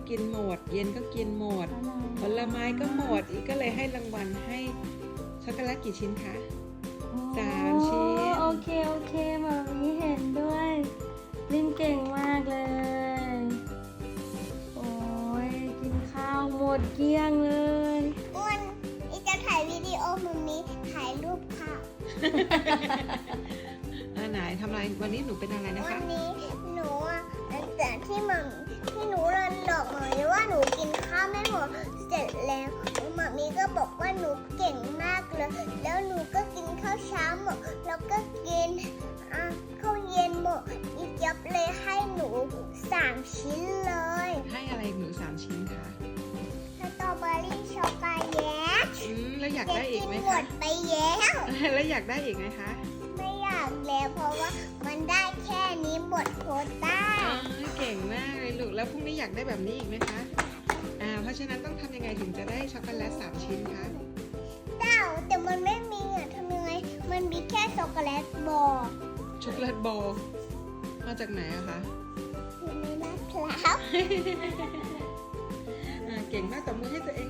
กินหมดเย็นก็กินหมดผลไม้ก็หมดอีกก็เลยให้รางวัลให้ช็อกโกแลตกี่ชิ้นคะ3 ชิ้นโอเคมามีเห็นด้วยลินเก่งมากเลย โอ้ยกินข้าวหมดเกลี้ยงเลยอ้วนอีจะถ่ายวิดีโอมุมนี้ถ่ายรูปค่ะไหนทำอะไรวันนี้หนูเป็นอะไรนะวัคะนนี้หนูแต่ที่หนูเรียนบอกหมอมีว่าหนูกินข้าวไม่หมดเสร็จแล้วหมอมีก็บอกว่าหนูเก่งมากเลยแล้วหนูก็กินข้าวเช้าหมดแล้วก็กินข้าวเย็นหมดอีจับเลยให้หนู3 ชิ้นเลยให้อะไรหนู3 ชิ้นคะสตรอเบอรี่ช็อกโกแลตแล้วอยากได้อีกไหมหมคะดไปแล้วแล้วอยากได้อีกไหมคะไม่อยากแล้วเพราะว่ามันได้แค่นี้หมดโควต้าเก่งมากเลยลูกแล้วพรุ่งนี้อยากได้แบบนี้อีกไหมคะเพราะฉะนั้นต้องทำยังไงถึงจะได้ช็อกโกแลต3 ชิ้นคะแต่มันไม่มีทำยังไงมันมีแค่ช็อกโกแลตบอลช็อกโกแลตบอลมาจากไหนอะคะอยู่ในมะพร้าวเก่งมากตบมือให้ตัวเอง